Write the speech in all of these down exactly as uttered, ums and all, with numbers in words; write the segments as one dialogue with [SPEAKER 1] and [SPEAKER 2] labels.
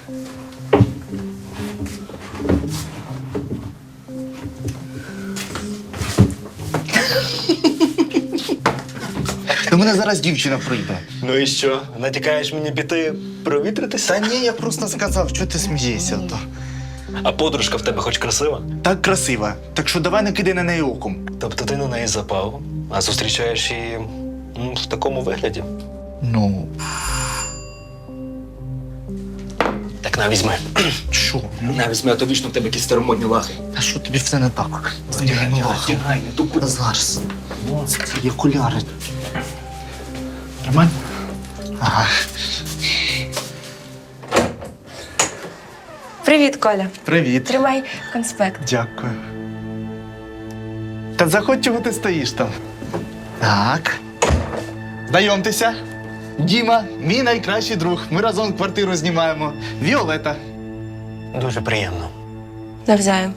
[SPEAKER 1] До мене зараз дівчина прийде.
[SPEAKER 2] Ну і що? Натякаєш мені піти провітритися?
[SPEAKER 1] Та ні, я просто сказав, що ти смієшся. То.
[SPEAKER 2] А подружка в тебе хоч красива?
[SPEAKER 1] Так красива. Так що давай не кидай на неї оком.
[SPEAKER 2] Тобто ти на неї запав, а зустрічаєш її м, в такому вигляді?
[SPEAKER 1] Ну,
[SPEAKER 2] Так на, візьми.
[SPEAKER 1] що?
[SPEAKER 2] На, візьми, а то вічно в тебе якісь старомодні лахи.
[SPEAKER 1] А що тобі все не так?
[SPEAKER 2] Тягай, не тупо.
[SPEAKER 1] Зараз. Є окуляри. Нормально? Ага.
[SPEAKER 3] Привіт, Коля.
[SPEAKER 1] Привіт.
[SPEAKER 3] Тримай конспект.
[SPEAKER 1] Дякую. Та заходь, чого ти стоїш там. Так. Знайомтеся. Діма, мій найкращий друг. Ми разом квартиру знімаємо. Віолета.
[SPEAKER 2] Дуже приємно.
[SPEAKER 3] Навзаєм.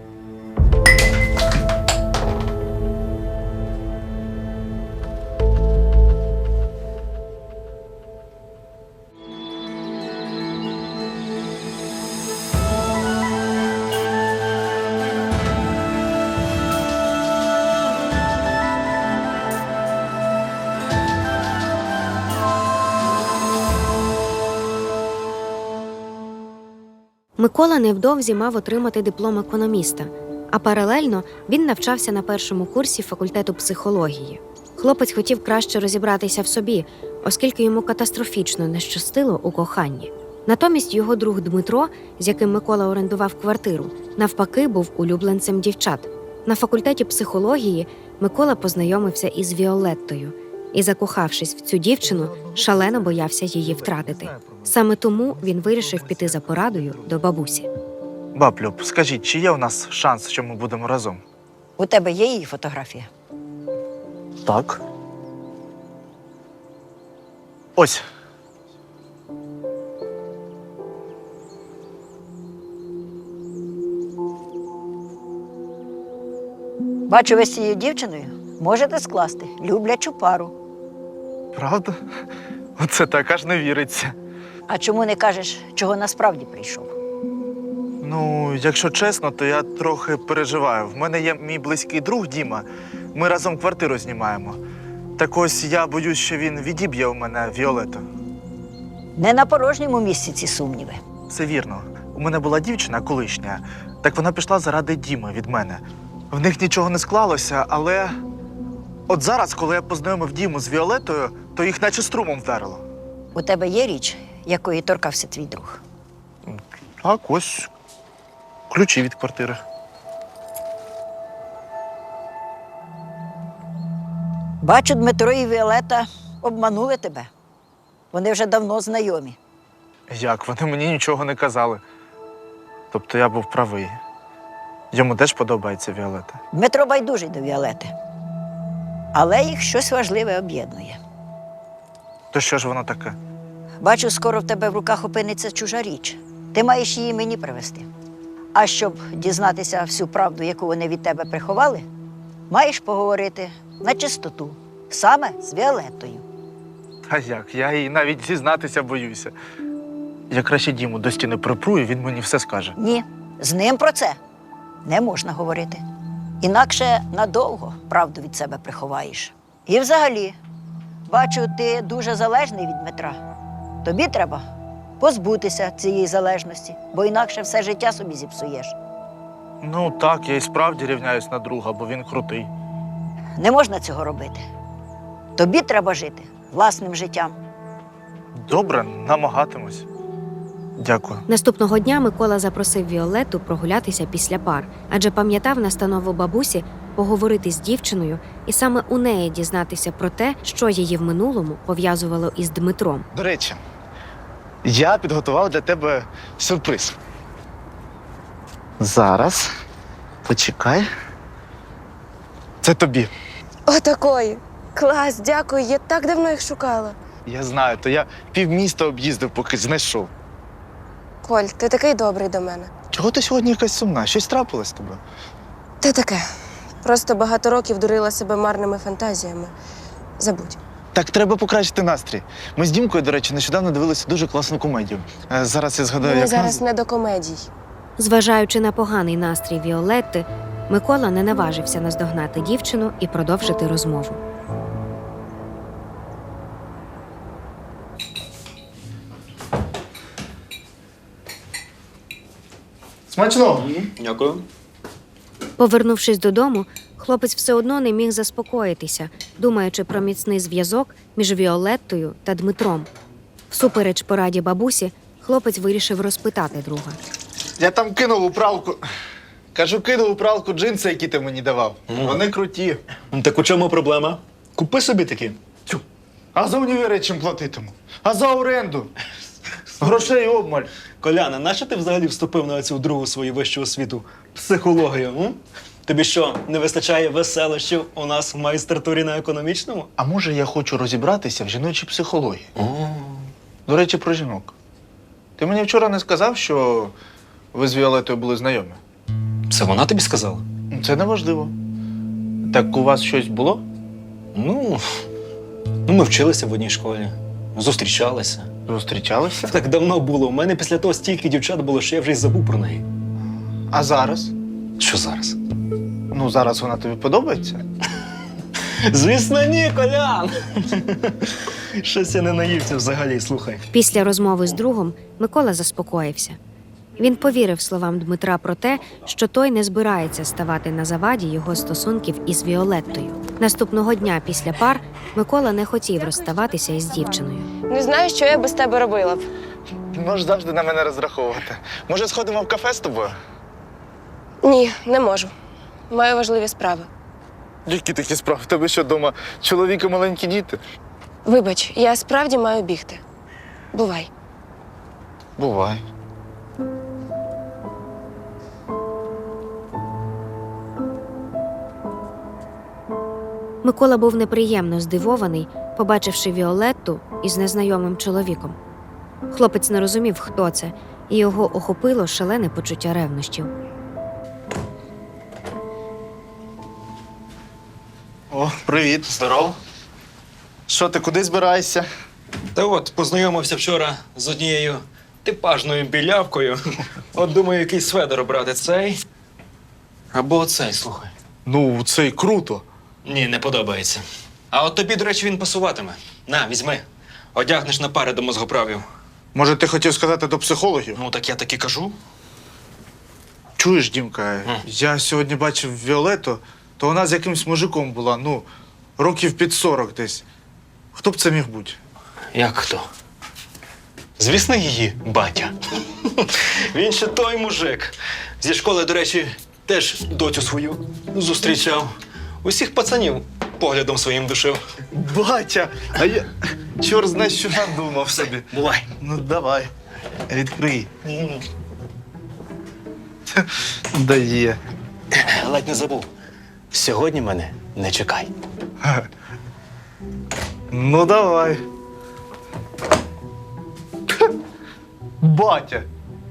[SPEAKER 4] Микола невдовзі мав отримати диплом економіста, а паралельно він навчався на першому курсі факультету психології. Хлопець хотів краще розібратися в собі, оскільки йому катастрофічно не щастило у коханні. Натомість його друг Дмитро, з яким Микола орендував квартиру, навпаки був улюбленцем дівчат. На факультеті психології Микола познайомився із Віолеттою і, закохавшись в цю дівчину, шалено боявся її втратити. Саме тому він вирішив піти за порадою до бабусі.
[SPEAKER 1] Баб Люб, скажіть, чи є у нас шанс, що ми будемо разом?
[SPEAKER 5] У тебе є її фотографія?
[SPEAKER 1] Так. Ось.
[SPEAKER 5] Бачу, ви з цією дівчиною можете скласти люблячу пару.
[SPEAKER 1] Правда? Оце так аж не віриться.
[SPEAKER 5] А чому не кажеш, чого насправді прийшов?
[SPEAKER 1] Ну, якщо чесно, то я трохи переживаю. В мене є мій близький друг Діма. Ми разом квартиру знімаємо. Так ось я боюсь, що він відіб'є у мене Віолету.
[SPEAKER 5] Не на порожньому місці ці сумніви.
[SPEAKER 1] Все вірно. У мене була дівчина колишня. Так вона пішла заради Діми від мене. В них нічого не склалося, але от зараз, коли я познайомив Діму з Віолетою, то їх наче струмом вдарило.
[SPEAKER 5] У тебе є річ, якої торкався твій друг?
[SPEAKER 1] Так, ось ключі від квартири.
[SPEAKER 5] Бачу, Дмитро і Віолета обманули тебе. Вони вже давно знайомі.
[SPEAKER 1] Як? Вони мені нічого не казали. Тобто я був правий. Йому теж подобається Віолета.
[SPEAKER 5] Дмитро байдужий до Віолети. Але їх щось важливе об'єднує.
[SPEAKER 1] То що ж воно таке?
[SPEAKER 5] Бачу, скоро в тебе в руках опиниться чужа річ. Ти маєш її мені привезти. А щоб дізнатися всю правду, яку вони від тебе приховали, маєш поговорити на чистоту, саме з Віолетою.
[SPEAKER 1] А як? Я їй навіть зізнатися боюся. Я краще Діму до стіни припру, і він мені все скаже.
[SPEAKER 5] Ні, з ним про це не можна говорити. Інакше надовго правду від себе приховаєш. І взагалі, бачу, ти дуже залежний від Дмитра. Тобі треба позбутися цієї залежності, бо інакше все життя собі зіпсуєш.
[SPEAKER 1] Ну так, я і справді рівняюсь на друга, бо він крутий.
[SPEAKER 5] Не можна цього робити. Тобі треба жити власним життям.
[SPEAKER 1] Добре, намагатимусь. Дякую.
[SPEAKER 4] Наступного дня Микола запросив Віолетту прогулятися після пар, адже пам'ятав настанову бабусі поговорити з дівчиною і саме у неї дізнатися про те, що її в минулому пов'язувало із Дмитром.
[SPEAKER 1] До речі, я підготував для тебе сюрприз. Зараз. Почекай. Це тобі.
[SPEAKER 3] Отакої. Клас, дякую. Я так давно їх шукала.
[SPEAKER 1] Я знаю, то я півміста об'їздив, поки знайшов.
[SPEAKER 3] Коль, ти такий добрий до мене.
[SPEAKER 1] Чого ти сьогодні якась сумна? Щось трапилось з тобою?
[SPEAKER 3] Та таке. Просто багато років дурила себе марними фантазіями. Забудь.
[SPEAKER 1] Так треба покращити настрій. Ми з Дімкою, до речі, нещодавно дивилися дуже класну комедію. Е, Зараз я згадаю,
[SPEAKER 3] Мені
[SPEAKER 1] як
[SPEAKER 3] зараз
[SPEAKER 1] назва.
[SPEAKER 3] не до комедій.
[SPEAKER 4] Зважаючи на поганий настрій Віолетти, Микола не наважився наздогнати дівчину і продовжити розмову.
[SPEAKER 1] Смачно!
[SPEAKER 2] Дякую.
[SPEAKER 4] Повернувшись додому, хлопець все одно не міг заспокоїтися, думаючи про міцний зв'язок між Віолеттою та Дмитром. Всупереч пораді бабусі, хлопець вирішив розпитати друга.
[SPEAKER 1] Я там кинув у пралку. Кажу, кинув у пралку джинси, які ти мені давав.
[SPEAKER 2] Мгм.
[SPEAKER 1] Вони круті.
[SPEAKER 2] Ну, так у чому проблема? Купи собі такі.
[SPEAKER 1] Тю. А за універи чим платитиму? А за оренду? Грошей обмаль.
[SPEAKER 2] Коляна, нащо ти взагалі вступив на цю другу свою вищу освіту? Психологію, м? Тобі що, не вистачає веселощів у нас в майстратурі на економічному?
[SPEAKER 1] А може я хочу розібратися в жіночій психології? До речі, про жінок. Ти мені вчора не сказав, що ви з Віолетою були знайомі?
[SPEAKER 2] Це вона тобі сказала?
[SPEAKER 1] Ну, це неважливо. Так у вас щось було?
[SPEAKER 2] Ну, ну, ми вчилися в одній школі, зустрічалися.
[SPEAKER 1] Зустрічалися?
[SPEAKER 2] Так давно було. У мене після того стільки дівчат було, що я вже й забув про неї.
[SPEAKER 1] А зараз?
[SPEAKER 2] Що зараз?
[SPEAKER 1] Ну, зараз вона тобі подобається?
[SPEAKER 2] Звісно, ні, Колян! Щось я не наївся взагалі, слухай.
[SPEAKER 4] Після розмови з другом Микола заспокоївся. Він повірив словам Дмитра про те, що той не збирається ставати на заваді його стосунків із Віолеттою. Наступного дня після пар Микола не хотів розставатися із дівчиною.
[SPEAKER 3] Не знаю, що я без тебе робила б.
[SPEAKER 1] Можеш завжди на мене розраховувати. Може, сходимо в кафе з тобою?
[SPEAKER 3] Ні, не можу. Маю важливі справи.
[SPEAKER 1] Які такі справи? В тебе що, вдома чоловік і маленькі діти?
[SPEAKER 3] Вибач, я справді маю бігти. Бувай.
[SPEAKER 1] Бувай.
[SPEAKER 4] Микола був неприємно здивований, побачивши Віолетту із незнайомим чоловіком. Хлопець не розумів, хто це, і його охопило шалене почуття ревнощів.
[SPEAKER 1] О, привіт.
[SPEAKER 2] Здоров.
[SPEAKER 1] Що ти, куди збираєшся?
[SPEAKER 2] Та от, познайомився вчора з однією типажною білявкою. От думаю, який сведер обрати, цей або цей, слухай.
[SPEAKER 1] Ну, це й круто.
[SPEAKER 2] Ні, не подобається. А от тобі, до речі, він пасуватиме. На, візьми. Одягнеш на пари до мозгоправів.
[SPEAKER 1] Може, ти хотів сказати до психологів?
[SPEAKER 2] Ну, так я так і кажу.
[SPEAKER 1] Чуєш, Дімка, я сьогодні бачив Віолету, то вона з якимсь мужиком була, ну, років під сорок десь. Хто б це міг бути?
[SPEAKER 2] Як хто? Звісно, її батя. Він ще той мужик. Зі школи, до речі, теж доцю свою зустрічав. Усіх пацанів поглядом своїм душив.
[SPEAKER 1] Батя! А я чорт знає, що надумав собі.
[SPEAKER 2] Бувай.
[SPEAKER 1] Ну, давай, відкрий. Дає.
[SPEAKER 2] Ледь не забув. Сьогодні мене не чекай.
[SPEAKER 1] Ну, давай. Батя!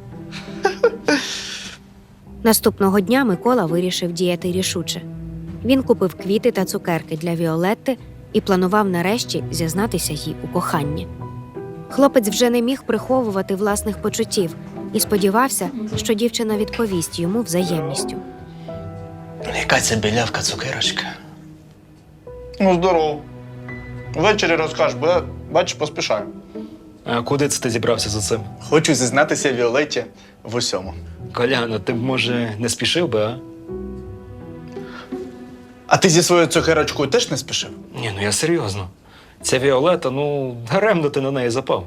[SPEAKER 4] Наступного дня Микола вирішив діяти рішуче. Він купив квіти та цукерки для Віолетти і планував нарешті зізнатися їй у коханні. Хлопець вже не міг приховувати власних почуттів і сподівався, що дівчина відповість йому взаємністю.
[SPEAKER 2] Яка це білявка цукерочка?
[SPEAKER 1] Ну, здоров. Ввечері розкажеш, бо я, бачиш, поспішаю.
[SPEAKER 2] А куди це ти зібрався за цим?
[SPEAKER 1] Хочу зізнатися Віолетті в усьому.
[SPEAKER 2] Коляна, ти б, може, не спішив би, а?
[SPEAKER 1] А ти зі своєю цукерочкою теж не спішив?
[SPEAKER 2] Ні, ну я серйозно. Ця Віолета, ну, даремно ти на неї запав.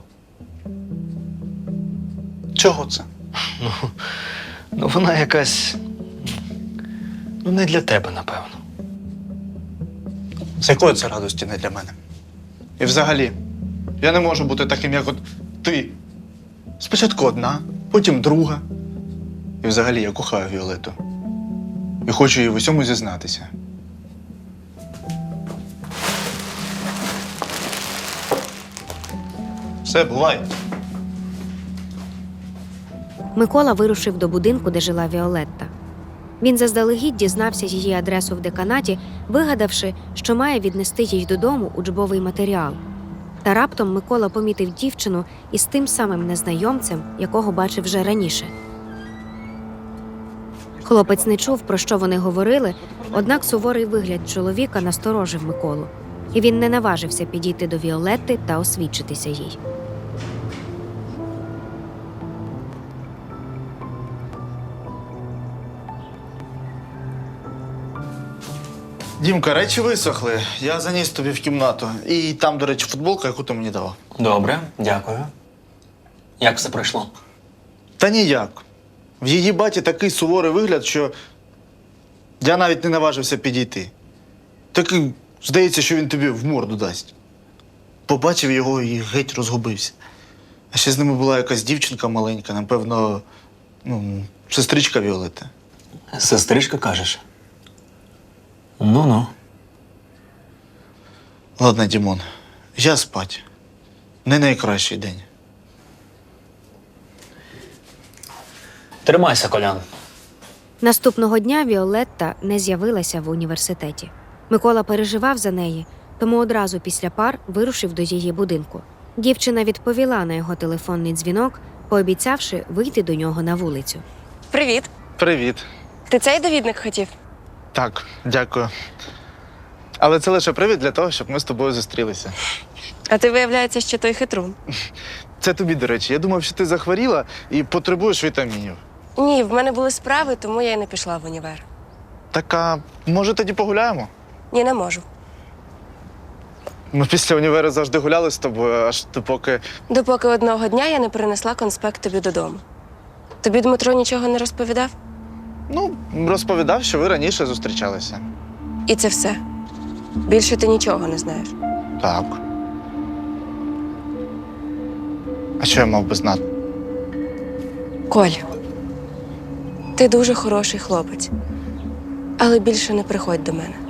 [SPEAKER 1] Чого це?
[SPEAKER 2] Ну, ну вона якась. Ну, не для тебе, напевно.
[SPEAKER 1] З якої це радості не для мене? І взагалі, я не можу бути таким, як от ти. Спочатку одна, потім друга. І взагалі я кохаю Віолету. І хочу їй в усьому зізнатися. Все, бувай.
[SPEAKER 4] Микола вирушив до будинку, де жила Віолетта. Він заздалегідь дізнався її адресу в деканаті, вигадавши, що має віднести їй додому учбовий матеріал. Та раптом Микола помітив дівчину із тим самим незнайомцем, якого бачив вже раніше. Хлопець не чув, про що вони говорили, однак суворий вигляд чоловіка насторожив Миколу, і він не наважився підійти до Віолетти та освідчитися їй.
[SPEAKER 1] Дімка, речі висохли. Я заніс тобі в кімнату. І там, до речі, футболка, яку ти мені давав.
[SPEAKER 2] Добре, дякую. Як все пройшло?
[SPEAKER 1] Та ніяк. В її баті такий суворий вигляд, що я навіть не наважився підійти. Такий, здається, що він тобі в морду дасть. Побачив його і геть розгубився. А ще з ними була якась дівчинка маленька, напевно, ну, сестричка Віолетти.
[SPEAKER 2] Сестричка, кажеш? Ну-ну.
[SPEAKER 1] Ладно, Дімон, я спать. Не найкращий день.
[SPEAKER 2] Тримайся, Колян.
[SPEAKER 4] Наступного дня Віолетта не з'явилася в університеті. Микола переживав за неї, тому одразу після пар вирушив до її будинку. Дівчина відповіла на його телефонний дзвінок, пообіцявши вийти до нього на вулицю.
[SPEAKER 3] Привіт.
[SPEAKER 1] Привіт.
[SPEAKER 3] Ти цей довідник хотів?
[SPEAKER 1] Так, дякую. Але це лише привід для того, щоб ми з тобою зустрілися.
[SPEAKER 3] А ти, виявляється, що той хитрун.
[SPEAKER 1] Це тобі, до речі. Я думав, що ти захворіла і потребуєш вітамінів.
[SPEAKER 3] Ні, в мене були справи, тому я й не пішла в універ.
[SPEAKER 1] Так, а може тоді погуляємо?
[SPEAKER 3] Ні, не можу.
[SPEAKER 1] Ми після універу завжди гуляли з тобою, аж допоки...
[SPEAKER 3] Допоки одного дня я не принесла конспект тобі додому. Тобі Дмитро нічого не розповідав?
[SPEAKER 1] Ну, розповідав, що ви раніше зустрічалися.
[SPEAKER 3] І це все. Більше ти нічого не знаєш.
[SPEAKER 1] Так. А що я мав би знати?
[SPEAKER 3] Коль, ти дуже хороший хлопець. Але більше не приходь до мене.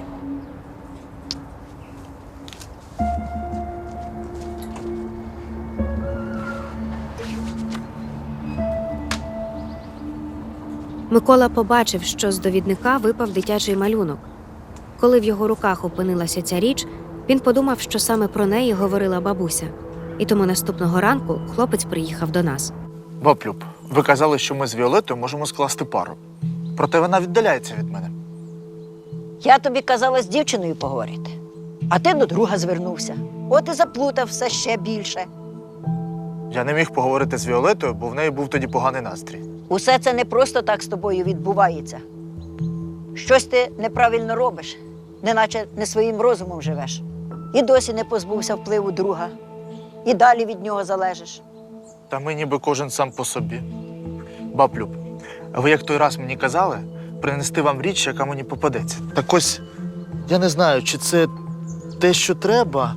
[SPEAKER 4] Микола побачив, що з довідника випав дитячий малюнок. Коли в його руках опинилася ця річ, він подумав, що саме про неї говорила бабуся. І тому наступного ранку хлопець приїхав до нас.
[SPEAKER 1] Баблюб, ви казали, що ми з Віолеттою можемо скласти пару. Проте вона віддаляється від мене.
[SPEAKER 5] Я тобі казала з дівчиною поговорити, а ти до друга звернувся. От і заплутав все ще більше.
[SPEAKER 1] Я не міг поговорити з Віолеттою, бо в неї був тоді поганий настрій.
[SPEAKER 5] Усе це не просто так з тобою відбувається. Щось ти неправильно робиш, неначе не своїм розумом живеш. І досі не позбувся впливу друга. І далі від нього залежиш.
[SPEAKER 1] Та ми ніби кожен сам по собі. Баблюб, а ви як той раз мені казали, принести вам річ, яка мені попадеться. Так ось, я не знаю, чи це те, що треба.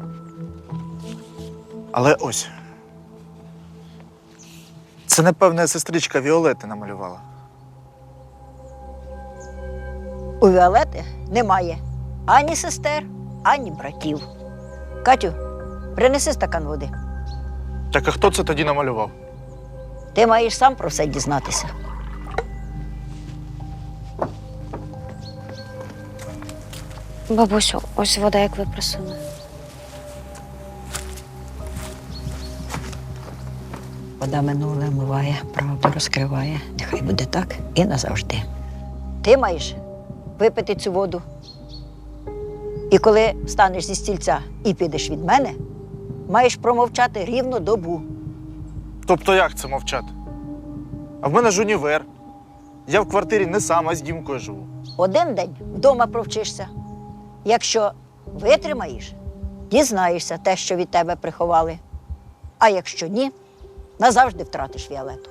[SPEAKER 1] Але ось. Це, напевне, сестричка Віолетти намалювала.
[SPEAKER 5] У Віолети немає ані сестер, ані братів. Катю, принеси стакан води.
[SPEAKER 1] Так а хто це тоді намалював?
[SPEAKER 5] Ти маєш сам про все дізнатися.
[SPEAKER 4] Бабусю, ось вода, як ви просили.
[SPEAKER 5] Вода минуле омиває, правду розкриває. Нехай буде так і назавжди. Ти маєш випити цю воду. І коли встанеш зі стільця і підеш від мене, маєш промовчати рівно добу.
[SPEAKER 1] Тобто як це мовчати? А в мене ж універ. Я в квартирі не сам, а з Дімкою живу.
[SPEAKER 5] Один день вдома провчишся. Якщо витримаєш, дізнаєшся те, що від тебе приховали. А якщо ні, назавжди втратиш Віолетту.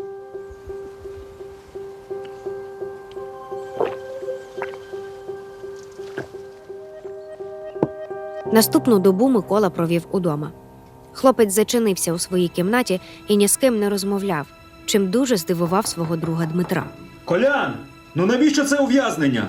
[SPEAKER 4] Наступну добу Микола провів удома. Хлопець зачинився у своїй кімнаті і ні з ким не розмовляв, чим дуже здивував свого друга Дмитра.
[SPEAKER 6] Колян, ну навіщо це ув'язнення?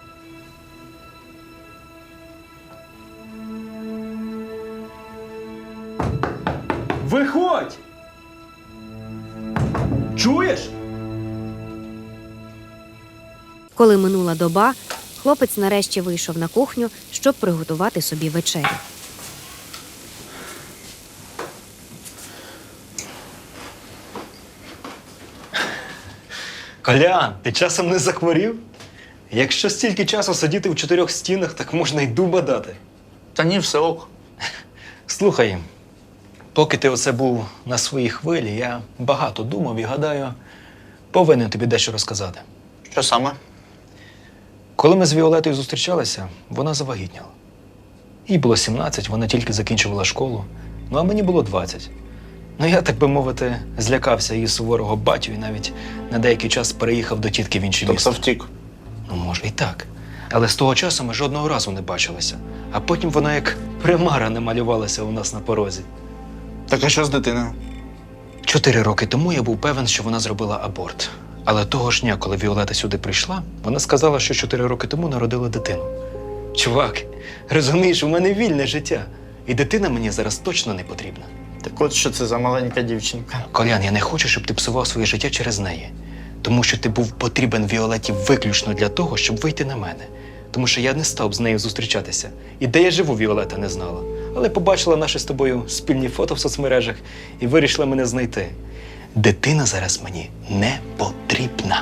[SPEAKER 6] Виходь! Чуєш?
[SPEAKER 4] Коли минула доба, хлопець нарешті вийшов на кухню, щоб приготувати собі вечерю.
[SPEAKER 2] Колян, ти часом не захворів? Якщо стільки часу сидіти в чотирьох стінах, так можна й дуба дати.
[SPEAKER 1] Та ні, все ок.
[SPEAKER 2] Слухай, поки ти оце був на своїй хвилі, я багато думав і, гадаю, повинен тобі дещо розказати.
[SPEAKER 1] Що саме?
[SPEAKER 2] Коли ми з Віолетою зустрічалися, вона завагітніла. Їй було сімнадцять, вона тільки закінчувала школу, ну а мені було двадцять. Ну я, так би мовити, злякався її суворого батю і навіть на деякий час переїхав до тітки в інше місто.
[SPEAKER 1] втік.
[SPEAKER 2] Ну, може, і так. Але з того часу ми жодного разу не бачилися. А потім вона як примара намалювалася у нас на порозі.
[SPEAKER 1] Так а що з дитиною?
[SPEAKER 2] Чотири роки тому я був певен, що вона зробила аборт. Але того ж дня, коли Віолета сюди прийшла, вона сказала, що чотири роки тому народила дитину. Чувак, розумієш, у мене вільне життя. І дитина мені зараз точно не потрібна.
[SPEAKER 1] Так от що це за маленька дівчинка.
[SPEAKER 2] Колян, я не хочу, щоб ти псував своє життя через неї. Тому що ти був потрібен Віолеті виключно для того, щоб вийти на мене. Тому що я не став з нею зустрічатися. І де я живу, Віолета не знала. Але побачила наші з тобою спільні фото в соцмережах і вирішила мене знайти. Дитина зараз мені не потрібна.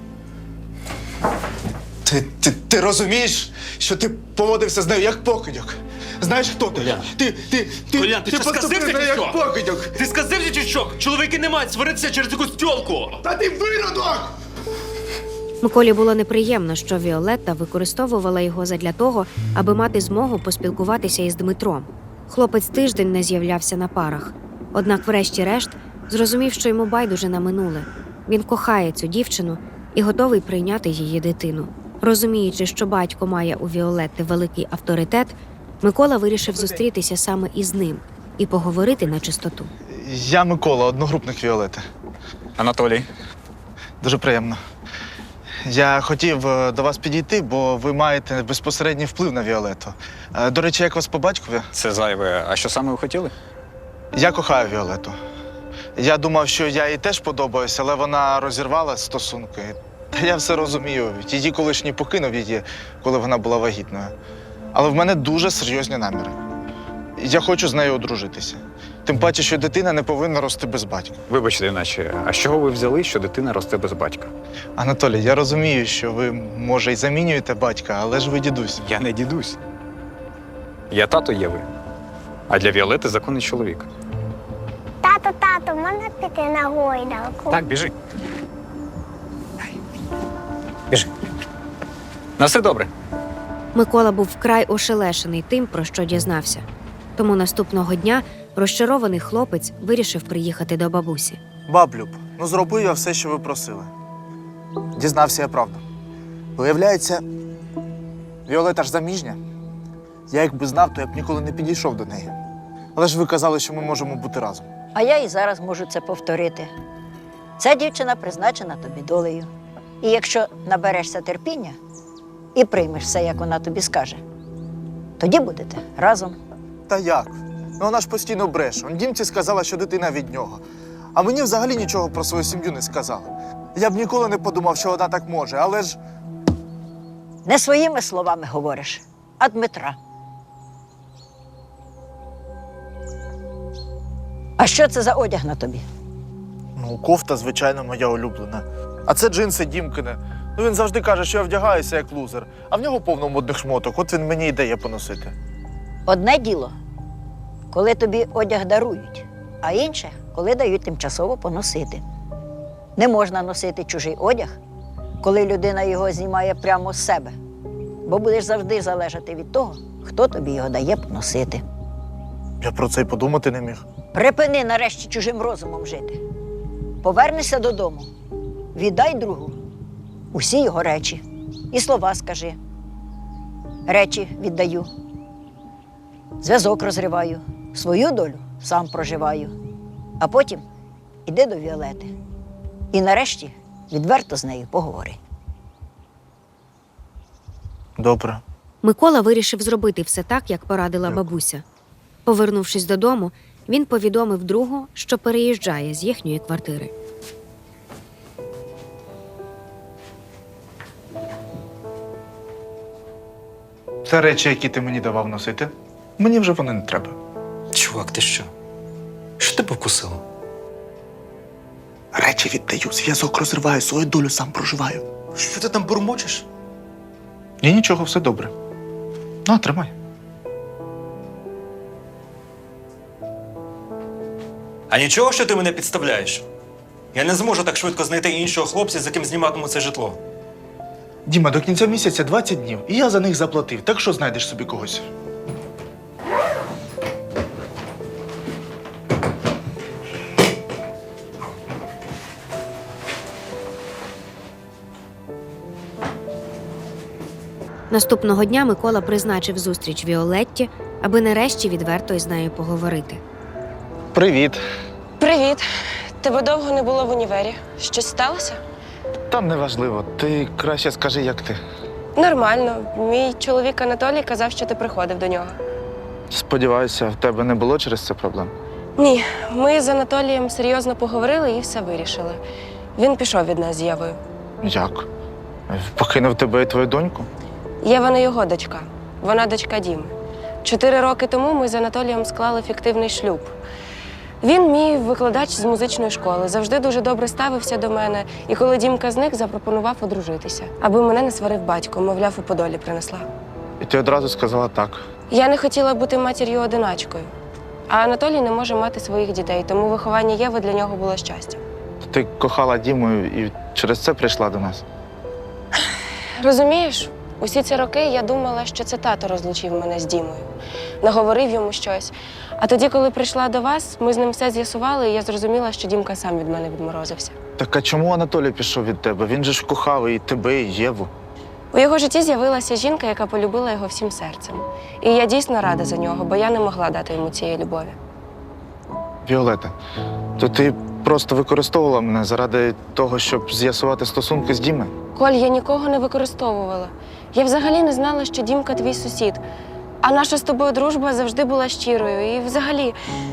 [SPEAKER 1] Ти, ти, ти розумієш, що ти поводився з нею як покидьок? Знаєш, хто ти?
[SPEAKER 2] Колян.
[SPEAKER 1] Ти, ти, ти,
[SPEAKER 7] Колян, ти що,
[SPEAKER 1] поступив
[SPEAKER 7] сказився
[SPEAKER 1] з нею
[SPEAKER 7] чи
[SPEAKER 1] як
[SPEAKER 7] що?
[SPEAKER 1] покидьок.
[SPEAKER 7] Ти сказився чи що? Чоловіки не мають сваритися через якусь тьолку!
[SPEAKER 1] Та ти виродок!
[SPEAKER 4] Миколі було неприємно, що Віолетта використовувала його задля того, аби мати змогу поспілкуватися із Дмитром. Хлопець тиждень не з'являвся на парах. Однак, врешті-решт, зрозумів, що йому байдуже на минуле. Він кохає цю дівчину і готовий прийняти її дитину. Розуміючи, що батько має у Віолетти великий авторитет, Микола вирішив зустрітися саме із ним і поговорити на чистоту.
[SPEAKER 1] Я Микола, одногрупник Віолети.
[SPEAKER 8] Анатолій.
[SPEAKER 1] Дуже приємно. Я хотів е, до вас підійти, бо ви маєте безпосередній вплив на Віолету. Е, До речі, як вас по батькові?
[SPEAKER 8] Це зайве. А що саме ви хотіли?
[SPEAKER 1] Я кохаю Віолету. Я думав, що я їй теж подобаюся, але вона розірвала стосунки. Та я все розумію. Її колишній покинув її, коли вона була вагітною. Але в мене дуже серйозні наміри. Я хочу з нею одружитися. Тим паче, що дитина не повинна рости без батька.
[SPEAKER 8] Вибачте, іначе, а з чого ви взяли, що дитина росте без батька?
[SPEAKER 1] Анатолій, я розумію, що ви, може, й замінюєте батька, але ж ви дідусь.
[SPEAKER 8] Я не дідусь. Я тато Єви. А для Віолети законний чоловік.
[SPEAKER 9] Тато, тато, можна піти на гойдалку?
[SPEAKER 8] Так, біжи. Біжи. На все добре.
[SPEAKER 4] Микола був вкрай ошелешений тим, про що дізнався. Тому наступного дня розчарований хлопець вирішив приїхати до бабусі.
[SPEAKER 1] Баблюб, ну зробив я все, що ви просили. Дізнався я правду. Виявляється, Віолета ж заміжня. Я якби знав, то я б ніколи не підійшов до неї. Але ж ви казали, що ми можемо бути разом.
[SPEAKER 5] А я і зараз можу це повторити. Ця дівчина призначена тобі долею. І якщо наберешся терпіння і приймеш все, як вона тобі скаже, тоді будете разом.
[SPEAKER 1] Та як? Ну вона ж постійно бреше. Он Дімці сказала, що дитина від нього. А мені взагалі нічого про свою сім'ю не сказала. Я б ніколи не подумав, що вона так може, але ж…
[SPEAKER 5] Не своїми словами говориш, а Дмитра. А що це за одяг на тобі?
[SPEAKER 1] Ну, кофта, звичайно, моя улюблена. А це джинси Дімкине. Ну він завжди каже, що я вдягаюся як лузер, а в нього повно модних шмоток. От він мені і дає поносити.
[SPEAKER 5] Одне діло, коли тобі одяг дарують, а інше, коли дають тимчасово поносити. Не можна носити чужий одяг, коли людина його знімає прямо з себе, бо будеш завжди залежати від того, хто тобі його дає поносити.
[SPEAKER 1] Я про це й подумати не міг.
[SPEAKER 5] Припини нарешті чужим розумом жити. Повернешся додому, віддай другу усі його речі і слова скажи. Речі віддаю, зв'язок розриваю, свою долю сам проживаю. А потім іди до Віолети і нарешті відверто з нею поговори.
[SPEAKER 1] Добре.
[SPEAKER 4] Микола вирішив зробити все так, як порадила бабуся. Повернувшись додому, він повідомив другу, що переїжджає з їхньої квартири.
[SPEAKER 1] Це речі, які ти мені давав носити. Мені вже вони не треба.
[SPEAKER 2] Чувак, ти що? Що тебе вкусило?
[SPEAKER 1] Речі віддаю, зв'язок розриваю, свою долю сам проживаю.
[SPEAKER 2] Що ти там бурмочеш?
[SPEAKER 1] Ні, нічого, все добре. На, тримай.
[SPEAKER 2] А нічого, що ти мене підставляєш? Я не зможу так швидко знайти іншого хлопця, з яким зніматиму це житло.
[SPEAKER 1] Діма, до кінця місяця двадцять днів, і я за них заплатив. Так що знайдеш собі когось?
[SPEAKER 4] Наступного дня Микола призначив зустріч Віолетті, аби нарешті відверто із нею поговорити.
[SPEAKER 1] Привіт.
[SPEAKER 3] Привіт. Тебе довго не було в універі. Щось сталося?
[SPEAKER 1] Там неважливо. Ти краще скажи, як ти.
[SPEAKER 3] Нормально. Мій чоловік Анатолій казав, що ти приходив до нього.
[SPEAKER 1] Сподіваюся, в тебе не було через це проблем?
[SPEAKER 3] Ні, ми з Анатолієм серйозно поговорили і все вирішили. Він пішов від нас з Євою.
[SPEAKER 1] Як? Покинув тебе і твою доньку?
[SPEAKER 3] Єва не його дочка. Вона дочка Діми. Чотири роки тому ми з Анатолієм склали фіктивний шлюб. Він мій викладач з музичної школи, завжди дуже добре ставився до мене. І коли Дімка зник, запропонував одружитися, аби мене не сварив батько, мовляв, у Подолі принесла.
[SPEAKER 1] І ти одразу сказала так.
[SPEAKER 3] Я не хотіла бути матір'ю-одиначкою. А Анатолій не може мати своїх дітей, тому виховання Єви для нього було щастям.
[SPEAKER 1] Ти кохала Діму і через це прийшла до нас.
[SPEAKER 3] Розумієш, усі ці роки я думала, що це тато розлучив мене з Дімою. Наговорив йому щось. А тоді, коли прийшла до вас, ми з ним все з'ясували, і я зрозуміла, що Дімка сам від мене відморозився.
[SPEAKER 1] Так а чому Анатолій пішов від тебе? Він же ж кохав і тебе, і Єву.
[SPEAKER 3] У його житті з'явилася жінка, яка полюбила його всім серцем. І я дійсно рада за нього, бо я не могла дати йому цієї любові.
[SPEAKER 1] Віолета, то ти просто використовувала мене заради того, щоб з'ясувати стосунки з Дімою?
[SPEAKER 3] Коль, я нікого не використовувала. Я взагалі не знала, що Дімка твій сусід. А наша з тобою дружба завжди була щирою. І взагалі,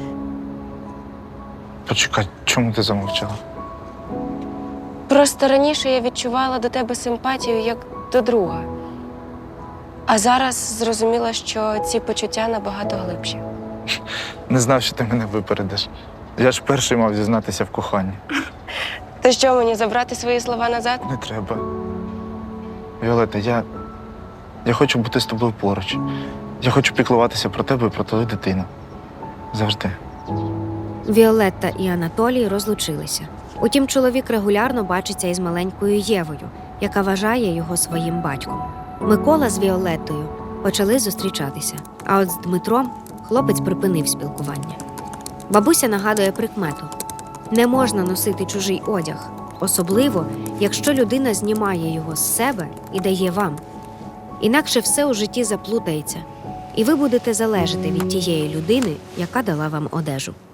[SPEAKER 1] Почекай, чому ти замовчала?
[SPEAKER 3] просто раніше я відчувала до тебе симпатію як до друга. А зараз зрозуміла, що ці почуття набагато глибші.
[SPEAKER 1] Не знав, що ти мене випередиш. Я ж перший мав зізнатися в коханні.
[SPEAKER 3] То що, мені забрати свої слова назад?
[SPEAKER 1] Не треба. Віолета, я. Я хочу бути з тобою поруч. Я хочу піклуватися про тебе і про твою дитину. Завжди.
[SPEAKER 4] Віолетта і Анатолій розлучилися. Утім, чоловік регулярно бачиться із маленькою Євою, яка вважає його своїм батьком. Микола з Віолеттою почали зустрічатися, а от з Дмитром хлопець припинив спілкування. Бабуся нагадує прикмету: не можна носити чужий одяг, особливо, якщо людина знімає його з себе і дає вам. Інакше все у житті заплутається, і ви будете залежати від тієї людини, яка дала вам одежу.